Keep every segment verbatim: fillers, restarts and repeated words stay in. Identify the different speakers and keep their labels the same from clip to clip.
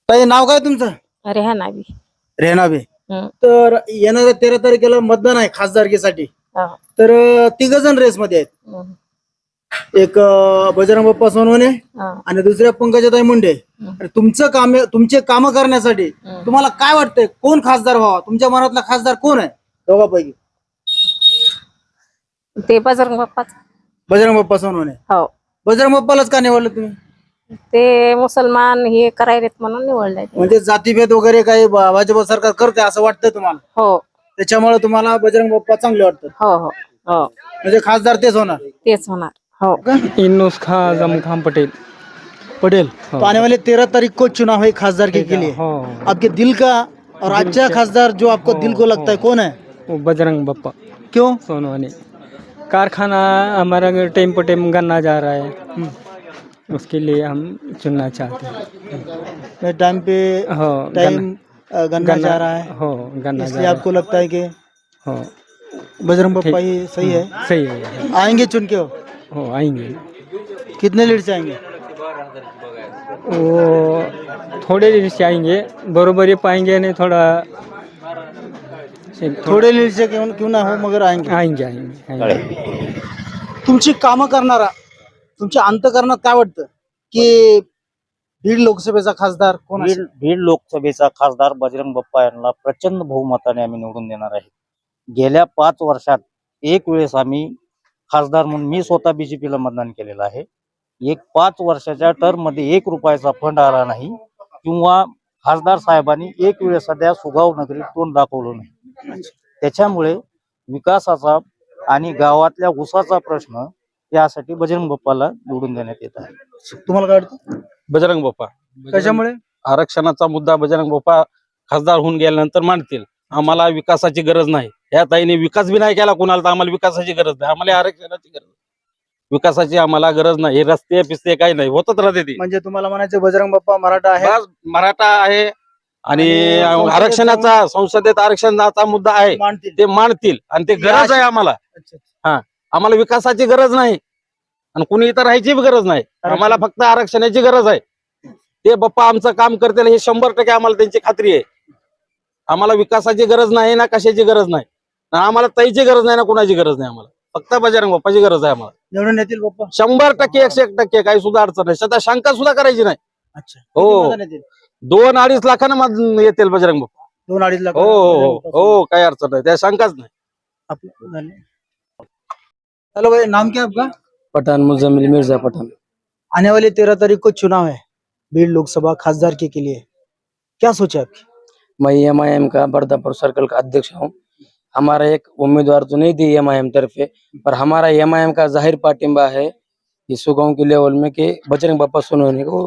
Speaker 1: ताई नाव काय तुमचं?
Speaker 2: रेहनाबी.
Speaker 1: रेहनाबे.
Speaker 2: हम्म.
Speaker 1: तर येणाऱ्या तेरा तारखेला मतदान आहे खासदारकीसाठी.
Speaker 2: हा.
Speaker 1: तर तिघ जण रेस मध्ये आहेत.
Speaker 2: हम्म.
Speaker 1: एक अं, बजरंग बाप्पा सोनवणे
Speaker 2: हा.
Speaker 1: आणि दुसऱ्या पंकजाताई मुंडे.
Speaker 2: हम्म.
Speaker 1: आणि तुमचं काम तुमचे काम करण्यासाठी
Speaker 2: हम्म.
Speaker 1: तुम्हाला काय वाटतंय कोण खासदार व्हावा? तुमच्या मनातला खासदार कोण आहे दोघांपैकी?
Speaker 2: ते बजरंग बाप्पाच.
Speaker 1: बजरंग बाप्पा सोनवणे.
Speaker 2: हो.
Speaker 1: बजरंग बाप्पालाच का निवडलं तुम्ही?
Speaker 2: ते मुसलमान हे करायलेत म्हणून निवडलंय ते.
Speaker 1: म्हणजे जातीभेद वगैरे काही भा- भाजप सरकार करते असं वाटतंय तुम्हाला?
Speaker 2: हो
Speaker 1: त्याच्यामुळे तुम्हाला बजरंग बाप्पा चांगले वाटतात?
Speaker 2: हो हो हो
Speaker 1: म्हणजे खासदार तेच होणार
Speaker 2: तेच होणार. हो.
Speaker 1: का?
Speaker 3: इन्नोस खां आजम खान पटेल।
Speaker 1: पटेल तो आने वाले तेरह तारीख को चुनाव है खासदार के लिए।
Speaker 3: हो
Speaker 1: आपके दिल का और अच्छा खासदार जो आपको दिल को लगता है कौन है?
Speaker 3: वो बजरंग बप्पा
Speaker 1: क्यों?
Speaker 3: सोनवानी। कारखाना हमारा टाइम पर टाइम गन्ना जा रहा है, उसके लिए हम चुनना चाहते हैं।
Speaker 1: टाइम पे
Speaker 3: हो
Speaker 1: टाइम अ, गन्ना जा रहा है,
Speaker 3: हो गन्ना जा
Speaker 1: इसलिए
Speaker 3: रहा
Speaker 1: आपको लगता है कि
Speaker 3: है। हो
Speaker 1: बजरंग बप्पा
Speaker 3: ठीक।
Speaker 1: ही सही है?
Speaker 3: सही है।
Speaker 1: आएंगे चुन के? हो
Speaker 3: हो आएंगे
Speaker 1: कितने लीड से आएंगे?
Speaker 3: वो थोड़े दिन से आएंगे, बरोबरी पाएंगे नहीं थोड़ा
Speaker 1: थोड़े लीड से क्यों क्यों ना हो मगर आएंगे।
Speaker 3: आएंगे आएंगे आएंगे।
Speaker 1: तुमची कामं करणारा तुमच्या अंतकरणात काय वाटतं की बीड लोकसभेचा खासदार कोण
Speaker 4: बीड
Speaker 1: असेल?
Speaker 4: बीड लोकसभेचा खासदार बजरंग बाप्पा यांना प्रचंड बहुमताने आम्ही निवडून देणार आहे. गेल्या पाच वर्षात एक वेळेस आम्ही खासदार म्हणून मी स्वतः बीजेपीला मतदान केलेलं आहे. एक पाच वर्षाच्या टर्म मध्ये एक रुपयाचा फंड आला नाही किंवा खासदार साहेबांनी एक वेळेस सध्या सुगाव नगरीत तोंड दाखवलं नाही. त्याच्यामुळे विकासाचा आणि गावातल्या ऊसाचा प्रश्न यासाठी बजरंग बाप्पाला निवडून देण्यात येत आहे.
Speaker 1: तुम्हाला काय वाटतं?
Speaker 5: बजरंग बाप्पा
Speaker 1: कशामुळे?
Speaker 5: आरक्षणाचा मुद्दा बजरंग बाप्पा खासदार होऊन गेल्यानंतर मांडतील. आम्हाला विकासाची गरज नाही. या ताईने विकास बी नाही केला कुणाला, तर आम्हाला विकासाची गरज नाही. आम्हाला आरक्षणाची गरज, विकासाची आम्हाला गरज नाही. हे रस्ते पिस्ते काही नाही, होतच राहते ती.
Speaker 1: म्हणजे तुम्हाला म्हणायचं बजरंग बाप्पा मराठा आहे
Speaker 5: बस मराठा आहे आणि
Speaker 1: आणि संसदेत
Speaker 5: आरक्षणाचा संसदेत आरक्षणाचा मुद्दा आहे
Speaker 1: मानतील.
Speaker 5: ते मांडतील आणि ते गरज आहे आम्हाला.
Speaker 1: अच्छा, अच्छा.
Speaker 5: आम्हाला विकासाची गरज नाही आणि कुणी इथं राहायची बी गरज नाही. आम्हाला फक्त आरक्षणाची गरज आहे. ते बाप्पा आमचं काम करतील हे शंभर टक्के आम्हाला त्यांची खात्री आहे. आम्हाला विकासाची गरज नाही ना कशाची गरज नाही ना आम्हाला ताईची गरज नाही ना कुणाची गरज नाही. आम्हाला फक्त बजरंग बाप्पाची गरज आहे. आम्हाला
Speaker 1: निवडून येतील बाप्पा?
Speaker 5: शंभर टक्के एकशे एक टक्के काही सुद्धा अडचण नाही. सध्या शंका सुद्धा करायची नाही.
Speaker 1: अच्छा.
Speaker 5: हो.
Speaker 1: किती मतदान येतील?
Speaker 5: दोन अडीच लाखांना मत येतील बजरंग बाप्पा.
Speaker 1: दोन अडीच लाख.
Speaker 5: हो हो हो काही अडचण नाही, त्या शंकाच नाही.
Speaker 1: हेलो भाई, नाम क्या है आपका?
Speaker 6: पठान मुजम्मिल मिर्जा पठान।
Speaker 1: आने वाले तेरह तारीख को चुनाव है बीड लोकसभा खासदार के, के लिए क्या सोचा आपकी?
Speaker 6: मैं एम आई एम का बर्दापुर सर्कल का अध्यक्ष हूँ। हमारा एक उम्मीदवार तो नहीं थी एम आई एम तरफे, पर हमारा एम आई एम का जाहिर पाटिंबा है इस गाँव के लेवल में कि बजरंग बाप्पा सोनवने को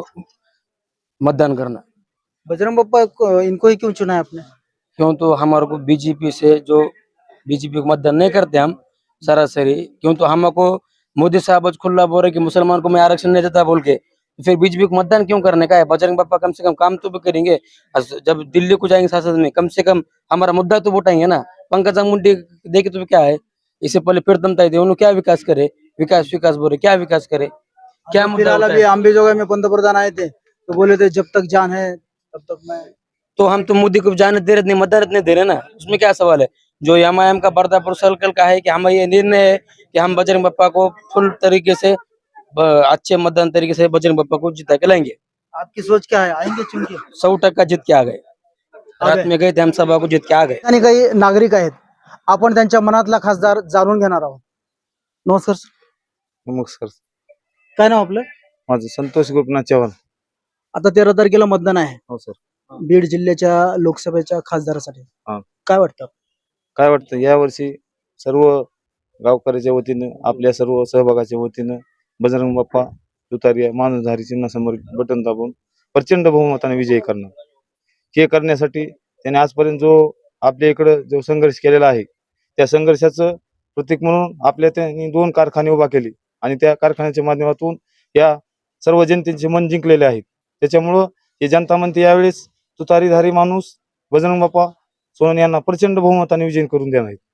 Speaker 6: मतदान करना।
Speaker 1: बजरंग बाप्पा को- इनको ही क्यों चुना है आपने?
Speaker 6: क्यों तो हमारे को बीजेपी से जो बीजेपी को मतदान नहीं करते हम सरासरी, क्यों तो हमको मोदी साहब आज खुला बोल रहे कि मुसलमान को मैं आरक्षण नहीं देता बोल के, तो फिर बीजेपी को मतदान क्यों करने का है? बजरंग बाप्पा कम से कम काम तो भी करेंगे। जब दिल्ली को जाएंगे संसद में कम से कम हमारा मुद्दा तो उठाएंगे ना। पंकजा मुंडे देखे तो क्या है, इससे पहले प्रीतम ताई थे, उन्होंने क्या विकास करे? विकास विकास बोले, क्या विकास करे? क्या मुद्दा
Speaker 1: फिलहाल
Speaker 6: होता
Speaker 1: अभी
Speaker 6: है?
Speaker 1: अंबेजोगाई में पंतप्रधान आए थे तो बोले थे जब तक जान है तब तक मैं।
Speaker 6: तो हम तो मोदी को जाने दे रहे नहीं, मदद नहीं दे रहे ना, उसमें क्या सवाल है? जो एम आई एम का बर्दापुर सर्कल का है कि हम ये निर्णय है कि हम बजरंग बाप्पा को फुल तरीके से ब- अच्छे मतदान तरीके से बजरंग बाप्पा को जिता के लाएंगे।
Speaker 1: आपकी सोच क्या है? आएंगे चुन के?
Speaker 6: सौ टक्का जीत के आ गए। रात में गए थे हम सभा को, जीत के आ गए।
Speaker 1: आणि काही नागरिक आहेत, आपण त्यांच्या मनातला खासदार जाणून घेणार आहोत. नमस्कार सर.
Speaker 7: नमस्कार.
Speaker 1: काय नाव आपलं?
Speaker 7: माझं संतोष गोपीनाथ चव्हाण.
Speaker 1: आता तेरा तारखेला मतदान आहे
Speaker 7: हो सर.
Speaker 1: बीड जिल्ह्याच्या लोकसभेच्या खासदारासाठी.
Speaker 7: हा.
Speaker 1: काय वाटतं?
Speaker 7: काय वाटतं यावर्षी सर्व गावकऱ्याच्या वतीनं आपल्या सर्व सहभागाच्या वतीनं बजरंग बाप्पा तुतारी मानसधारी चिन्हासमोर बटन दाबून प्रचंड बहुमताने विजयी करणार. हे करण्यासाठी त्याने आजपर्यंत जो आपल्या इकडं जो संघर्ष केलेला आहे त्या संघर्षाचं प्रतीक म्हणून आपल्या त्यांनी दोन कारखाने उभा केले आणि त्या कारखान्याच्या माध्यमातून या सर्व जनतेचे मन जिंकलेले आहेत. त्याच्यामुळं हे जनता म्हणते यावेळेस तुतारीधारी माणूस बजरंग बाप्पा सोनवणे यांना प्रचंड बहुमताने विजयी करून देणार आहेत.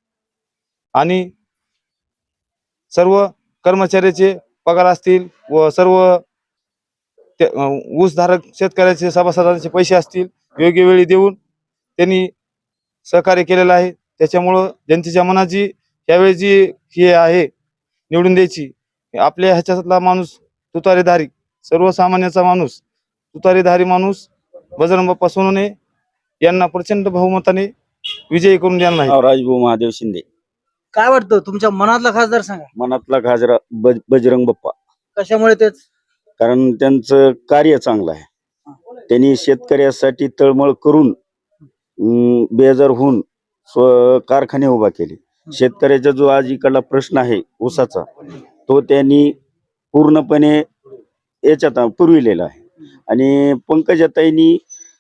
Speaker 7: आणि सर्व कर्मचाऱ्याचे पगार असतील व सर्व ते अं, ऊसधारक शेतकऱ्याचे सभासदांचे पैसे असतील योग्य वेळी देऊन त्यांनी सहकार्य केलेलं आहे. त्याच्यामुळं जनतेच्या मनाची यावेळी जी हे आहे निवडून द्यायची, आपल्या ह्याच्यातला माणूस तुतारीधारी, सर्वसामान्याचा माणूस, तुतारीधारी माणूस बजरंग बाप्पा सोनवणे यांना प्रचंड बहुमताने विजयी करून देणार आहे.
Speaker 8: राजभाऊ महादेव शिंदे.
Speaker 1: काय वाटतं तुमच्या मनातला खासदार सांगा,
Speaker 8: मनातला खासदार बज- बजरंग बाप्पा.
Speaker 1: कशामुळे तेच?
Speaker 8: कारण त्यांचं कार्य चांगलं आहे. त्यांनी शेतकऱ्यासाठी तळमळ करून अं, बेजार होऊन स्व कारखाने उभा केले. शेतकऱ्याचा जो आज इकडला प्रश्न आहे ऊसाचा, तो त्यांनी पूर्णपणे याच्यात पुरविलेला आहे. आणि पंकजाताईंनी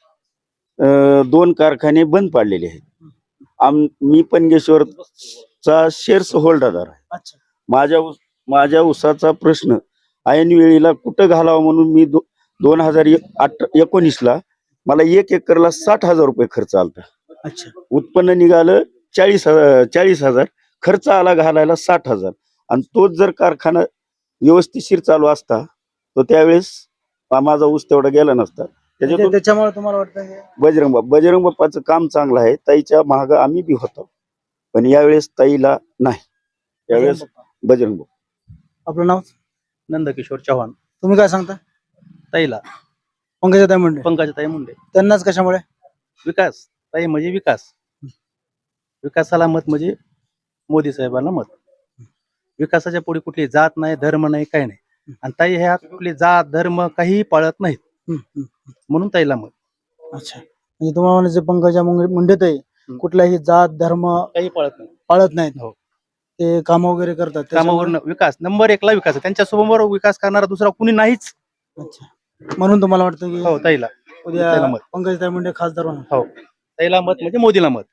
Speaker 8: अं, दोन कारखाने बंद पाडलेले आहेत. आम मी पनगेश्वरचा शेअर्स होल्डर आहे.
Speaker 1: अच्छा.
Speaker 8: माझ्या ऊस- माझ्या ऊसाचा प्रश्न ऐन वेळेला कुठं घालावं म्हणून मी दो, दोन हजार आठ एकोणीसला मला एक एकरला साठ हजार रुपये खर्च आला.
Speaker 1: अच्छा.
Speaker 8: उत्पन्न निघालं चाळीस हजार चाळीस हजार खर्च आला घालायला साठ हजार. आणि तोच जर कारखाना व्यवस्थितशीर चालू असता तर त्यावेळेस माझा ऊस तेवढा गेला नसता. त्याच्यातून
Speaker 1: त्याच्यामुळे तुम्हाला वाटतं की
Speaker 8: बजरंग बाप्पा बजरंग बाप्पाचं काम चांगलं आहे. ताईच्या महाग आम्ही बी होतो, पण यावेळेस ताईला नाही, यावेळेस बजरंग बाप्पा.
Speaker 1: आपलं नाव?
Speaker 9: नंदकिशोर चव्हाण.
Speaker 1: तुम्ही काय सांगता?
Speaker 9: ताईला
Speaker 1: पंकजाताई मुंडे.
Speaker 9: पंकजाताई मुंडे.
Speaker 1: त्यांनाच कशामुळे?
Speaker 9: विकास. ताई म्हणजे विकास. विकासाला मत म्हणजे मोदी साहेबांना मत. विकासाच्या पुढे कुठली जात नाही, धर्म नाही, काही नाही. आणि ताई ह्या कुठली जात धर्म काही पाळत नाहीत,
Speaker 1: हम्म, हम्म.
Speaker 9: म्हणून ताईला मत.
Speaker 1: अच्छा. म्हणजे तुम्हाला म्हणायचं पंकजा मुंडे मुंडेताई कुठलाही जात धर्म
Speaker 9: काही पाळत नाही.
Speaker 1: पाळत नाहीत.
Speaker 9: हो.
Speaker 1: ते काम वगैरे करतात
Speaker 9: कामावर
Speaker 1: त्याच्यामुळे-
Speaker 9: विकास नंबर एकला विकास आहे. त्यांच्या समोर विकास करणारा दुसरा कुणी नाहीच.
Speaker 1: अच्छा. म्हणून तुम्हाला वाटतं की
Speaker 9: हो ताईला.
Speaker 1: उद्या
Speaker 9: ताईला मत.
Speaker 1: पंकजाताई मुंडे खासदार होणार?
Speaker 9: हो ताईला मत म्हणजे मोदीला मत.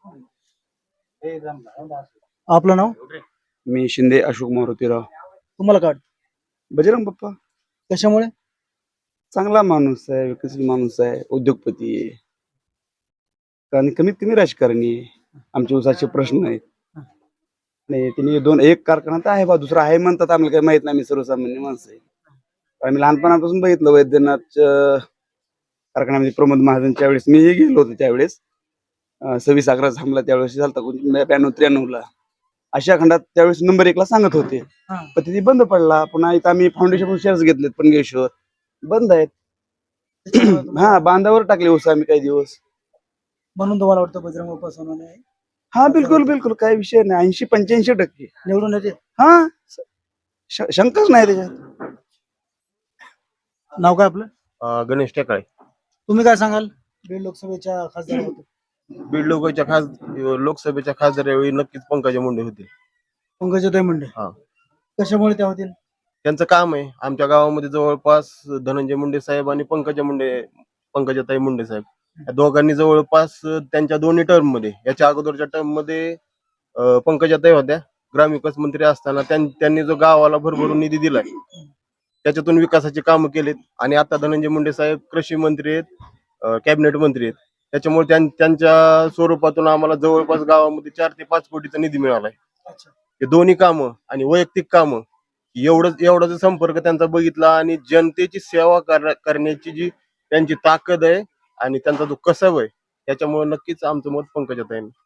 Speaker 1: आपलं नाव?
Speaker 10: मी शिंदे अशोक मारुतीराव.
Speaker 1: तुम्हाला काय वाटतं?
Speaker 10: बजरंग बाप्पा
Speaker 1: कशामुळे?
Speaker 10: चांगला माणूस आहे, विकसित माणूस आहे, उद्योगपती आहे, आणि कमीत कमी राजकारणी आहे. आमचे उसाचे प्रश्न आहेत. नाही तिने दोन एक कारखाना तर आहे बा, दुसरा आहे म्हणतात, आम्हाला काही माहित नाही. मी सर्वसामान्य माणसं आहे. आम्ही लहानपणापासून बघितलं वैद्यनाथच्या कारखान्यामध्ये प्रमोद महाजनच्या वेळेस मीही गेलो होतो. त्यावेळेस अं, सव्वीस अकरा थांबला त्यावेळेस झालता ब्याण्णव त्र्याण्णव ला अशा खंडात त्यावेळेस नंबर एकला सांगत होते.
Speaker 1: हा.
Speaker 10: पण तिथे बंद पडला. पुन्हा इथं आम्ही फाउंडेशन शेअर्स घेतलेत पनगेश्वर, बंद आहेत.
Speaker 1: त्याच्यामुळे तुम्हाला-
Speaker 10: हा बांधावर टाकले ऊस आम्ही काही दिवस.
Speaker 1: म्हणून तुम्हाला वाटतं बजरंग बाप्पा सोनवणे
Speaker 10: हा बिलकुल बिलकुल काही विषय नाही. ऐंशी पंच्याऐंशी टक्के
Speaker 1: निवडून येते?
Speaker 10: हा श- शंकाच नाही त्याच्यात.
Speaker 1: नाव काय आपलं?
Speaker 11: गणेश टेकाळे.
Speaker 1: तुम्ही काय सांगाल बीड लोकसभेच्या खासदार?
Speaker 11: बीड लोकसभेच्या खास लोकसभेच्या खासदार यावेळी नक्कीच पंकजा मुंडे होतील.
Speaker 1: पंकजाताई मुंडे.
Speaker 11: हा.
Speaker 1: कशामुळे त्या होतील?
Speaker 11: त्यांचं काम आहे. आमच्या गावामध्ये जवळपास धनंजय मुंडे साहेब आणि पंकजा मुंडे पंकजाताई मुंडे साहेब या दोघांनी जवळपास त्यांच्या दोन्ही टर्म मध्ये, याच्या अगोदरच्या टर्म मध्ये अं, पंकजाताई होत्या ग्रामविकास मंत्री असताना, त्यां- त्यांनी जो गावाला भरभरून निधी दिलाय त्याच्यातून विकासाची कामं केलीत. आणि आता धनंजय मुंडे साहेब कृषी मंत्री आहेत, अं, कॅबिनेट मंत्री आहेत. त्याच्यामुळे त्यां- त्यांच्या स्वरूपातून आम्हाला जवळपास गावामध्ये चार ते पाच कोटीचा निधी मिळालाय. हे दोन्ही कामं आणि वैयक्तिक कामं एवढंच एवढा जो संपर्क त्यांचा बघितला आणि जनतेची सेवा कर- करण्याची जी त्यांची ताकद आहे आणि त्यांचा जो कसब आहे, त्याच्यामुळे नक्कीच आमचं मत पंकजाताई.